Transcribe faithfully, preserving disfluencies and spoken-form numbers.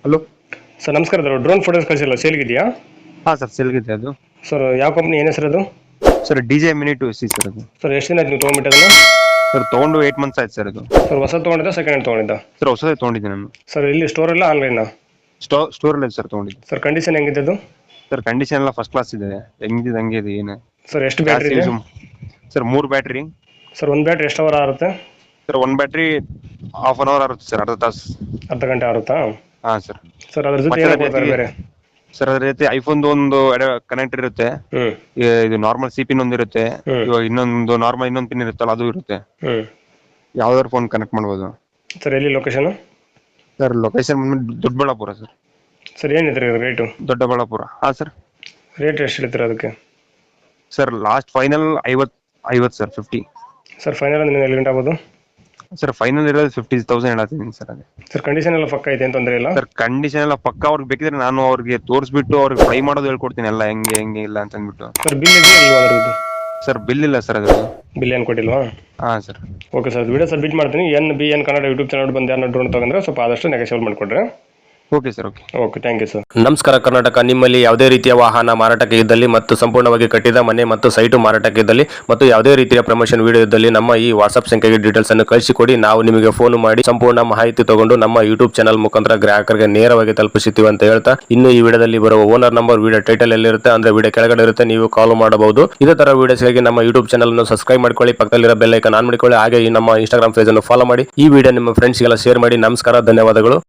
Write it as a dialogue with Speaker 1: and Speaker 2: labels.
Speaker 1: Hello.
Speaker 2: Sir ನಮಸ್ಕಾರ. Drone photos ಕಳಿಸಿಲ್ಲ, ಸೇಲ್ಗಿದೆಯಾ?
Speaker 1: ಹಾಂ ಸರ್, ಸೇಲ್ಗಿದೆ ಅದು.
Speaker 2: ಸರ್ ಯಾವ ಕಂಪ್ನಿ, ಏನು ಹೆಸರು ಅದು?
Speaker 1: Sir D J mini two C sir ಅದು.
Speaker 2: ಸರ್ ಎಷ್ಟು ದಿನ ಆಯ್ತು ನೀವು ತೊಗೊಂಡ್ಬಿಟ್ಟು ಅದನ್ನು?
Speaker 1: ಸರ್ ತೊಗೊಂಡು ಏಟ್ ಮಂತ್ಸ್ ಆಯ್ತು ಸರ್ ಅದು.
Speaker 2: ಸರ್ ಹೊಸ ತೊಗೊಂಡಿದ್ದ, ಸೆಕೆಂಡ್ ಹ್ಯಾಂಡ್ ತೊಗೊಂಡಿದ್ದ?
Speaker 1: ಸರ್ ಹೊಸದೇ ತೊಗೊಂಡಿದ್ದೆ ನಾನು.
Speaker 2: ಸರ್ ಇಲ್ಲಿ ಸ್ಟೋರ್ ಇಲ್ಲ, ಆನ್ಲೈನಾ?
Speaker 1: ಸ್ಟೋ ಸ್ಟೋರಲ್ಲೇ ಸರ್ ತೊಗೊಂಡಿದ್ದು.
Speaker 2: ಸರ್ ಕಂಡೀಷನ್ ಹೆಂಗಿದೆ ಅದು?
Speaker 1: ಸರ್ ಕಂಡೀಷನ್ ಎಲ್ಲ ಫಸ್ಟ್ ಕ್ಲಾಸ್ ಇದೆ, ಹೆಂಗಿದೆ ಹಂಗೆ ಇದೆ ಏನು.
Speaker 2: ಸರ್ ಎಷ್ಟು ಬ್ಯಾಟ್ರಿ ಇದೆ?
Speaker 1: ಸರ್ ಮೂರು ಬ್ಯಾಟ್ರಿ.
Speaker 2: ಸರ್ ಒಂದು ಬ್ಯಾಟ್ರಿ ಎಷ್ಟು ಅವರ್ ಆರುತ್ತೆ?
Speaker 1: ಸರ್ ಒಂದು ಬ್ಯಾಟ್ರಿ ಹಾಫ್ ಅನ್ ಅವರ್ ಆಗುತ್ತೆ ಸರ್, ಅರ್ಧ ತಾಸು.
Speaker 2: ಅರ್ಧ ಗಂಟೆ ಆರುತ್ತಾ?
Speaker 1: ಹಾಂ ಸರ್.
Speaker 2: ಸರ್ ಅದ್ರ ಜೊತೆ ಏನು ಕೊಡ್ತಾರೆ ಬೇರೆ?
Speaker 1: ಸರ್ ಅದ್ರ ಜೊತೆ ಐಫೋನ್ದು ಒಂದು ಕನೆಕ್ಟರ್ ಇರುತ್ತೆ.
Speaker 2: ಹ್ಞೂ.
Speaker 1: ಇದು ನಾರ್ಮಲ್ ಸಿ ಪಿನ್ ಒಂದು ಇರುತ್ತೆ.
Speaker 2: ಹ್ಞೂ.
Speaker 1: ಇವಾಗ ಇನ್ನೊಂದು ನಾರ್ಮಲ್ ಇನ್ನೊಂದು ಪಿನ್ ಇರುತ್ತಲ್ಲ, ಅದು ಇರುತ್ತೆ.
Speaker 2: ಹ್ಞೂ.
Speaker 1: ಯಾವ್ದಾದ್ರು ಫೋನ್ ಕನೆಕ್ಟ್ ಮಾಡ್ಬೋದು.
Speaker 2: ಸರ್ ಎಲ್ಲಿ ಲೊಕೇಶನ್?
Speaker 1: ಸರ್ ಲೊಕೇಶನ್ ಬಂದ್ಬಿಟ್ಟು ದೊಡ್ಡಬಳ್ಳಾಪುರ ಸರ್.
Speaker 2: ಸರ್ ಏನಿದೆ ರೇಟು?
Speaker 1: ದೊಡ್ಡಬಳ್ಳಾಪುರ. ಹಾಂ ಸರ್.
Speaker 2: ರೇಟ್ ಎಷ್ಟು ಹೇಳ್ತೀರಾ ಅದಕ್ಕೆ?
Speaker 1: ಸರ್ ಲಾಸ್ಟ್ ಫೈನಲ್ ಐವತ್ತು ಐವತ್ತು ಸರ್, ಫಿಫ್ಟಿ.
Speaker 2: ಸರ್ ಫೈನಲ್ ಅಂದ್ರೆ ಎಲ್ಲಿ ಗಂಟೆ ಆಗ್ಬೋದು?
Speaker 1: ಸರ್ ಫೈನಲ್ ಇರೋದು ಫಿಫ್ಟಿ ತೌಸಂಡ್ ಹೇಳತ್ತೀನಿ ಸರ್ ಅದೇ.
Speaker 2: ಸರ್ ಕಂಡೀಷನ್ ಎಲ್ಲ ಪಕ್ಕ ಐತೆ, ಏನು ತೊಂದರೆ ಇಲ್ಲ?
Speaker 1: ಸರ್ ಕಂಡೀಷನ್ ಎಲ್ಲ ಪಕ್ಕ. ಅವ್ರಿಗೆ ಬೇಕಿದ್ರೆ ನಾನು ಅವ್ರಿಗೆ ತೋರಿಸ್ಬಿಟ್ಟು ಅವ್ರಿಗೆ ಫ್ರೈ ಮಾಡೋದು ಹೇಳ್ಕೊಡ್ತೀನಿ ಎಲ್ಲ, ಹೆಂಗೆ ಹೆಂಗೆ ಇಲ್ಲ ಅಂತ ಅಂದ್ಬಿಟ್ಟು.
Speaker 2: ಸರ್ ಬಿಲ್ ಇದೆಯಾ ಇಲ್ವಾ ಅದ್ರದ್ದು?
Speaker 1: ಸರ್ ಬಿಲ್ ಇಲ್ಲ ಸರ್ ಅದ್ರದ್ದು.
Speaker 2: ಬಿಲ್ ಏನು ಕೊಟ್ಟಿಲ್ವಾ?
Speaker 1: ಹಾಂ sir.
Speaker 2: Okay sir, video submit ಮಾಡ್ತೀನಿ. N B N Kannada YouTube channel ಬಂದು ಯಾರನ್ನ ಡ್ರೋನ್ ತಗೊಂಡ್ರೆ ಸ್ವಲ್ಪ ಆದಷ್ಟು ನೆಗೆಸಿಬಲ್ ಮಾಡಿಕೊಡ್ರೆ.
Speaker 1: Okay sir. Okay
Speaker 2: okay, thank you sir.
Speaker 3: ನಮಸ್ಕಾರ ಕರ್ನಾಟಕ. ನಿಮ್ಮಲ್ಲಿ ಯಾವುದೇ ರೀತಿಯ ವಾಹನ ಮಾರಾಟಕ್ಕೆ ಇದ್ದಲ್ಲಿ ಮತ್ತು ಸಂಪೂರ್ಣವಾಗಿ ಕಟ್ಟಿದ ಮನೆ ಮತ್ತು ಸೈಟು ಮಾರಾಟಕ್ಕೆ ಇದ್ದಲ್ಲಿ ಮತ್ತು ಯಾವುದೇ ರೀತಿಯ ಪ್ರಮೋಷನ್ ವಿಡಿಯೋ ಇದ್ದಲ್ಲಿ ನಮ್ಮ ಈ ವಾಟ್ಸ್ಆಪ್ ಸಂಖ್ಯೆಗೆ ಡೀಟೇಲ್ಸ್ ಅನ್ನು ಕಳಿಸಿಕೊಡಿ. ನಾವು ನಿಮಗೆ ಫೋನ್ ಮಾಡಿ ಸಂಪೂರ್ಣ ಮಾಹಿತಿ ತಗೊಂಡು ನಮ್ಮ ಯೂಟ್ಯೂಬ್ ಚಾನಲ್ ಮುಖಾಂತರ ಗ್ರಾಹಕರಿಗೆ ನೇರವಾಗಿ ತಲುಪಿಸುತ್ತೀವಿ ಅಂತ ಹೇಳ್ತಾ, ಇನ್ನು ಈ ವಿಡಿಯೋದಲ್ಲಿ ಬರುವ ಓನರ್ ನಂಬರ್ ವಿಡಿಯೋ ಟೈಟಲ್ ಎಲ್ಲಿರುತ್ತೆ ಅಂದ್ರೆ ವಿಡಿಯೋ ಕೆಳಗಡೆ ಇರುತ್ತೆ, ನೀವು ಕಾಲ್ ಮಾಡಬಹುದು. ಇದೇ ತರ ವಿಡಿಯೋಸ್ಗಾಗಿ ನಮ್ಮ ಯೂಟ್ಯೂಬ್ ಚಾನಲ್ ಅನ್ನು ಸಬ್ಸ್ಕ್ರೈಬ್ ಮಾಡ್ಕೊಳ್ಳಿ, ಪಕ್ಕದಲ್ಲಿರೋ ಬೆಲ್ ಐಕಾನ್ ಆನ್ ಮಾಡಿಕೊಳ್ಳಿ. ಹಾಗೆ ಈ ನಮ್ಮ ಇನ್ಸ್ಟಾಗ್ರಾಮ್ ಪೇಜ್ ಅನ್ನು ಫಾಲೋ ಮಾಡಿ. ಈ ವಿಡಿಯೋ ನಿಮ್ಮ ಫ್ರೆಂಡ್ಸ್ಗೆಲ್ಲ ಶೇರ್ ಮಾಡಿ. ನಮಸ್ಕಾರ, ಧನ್ಯವಾದಗಳು.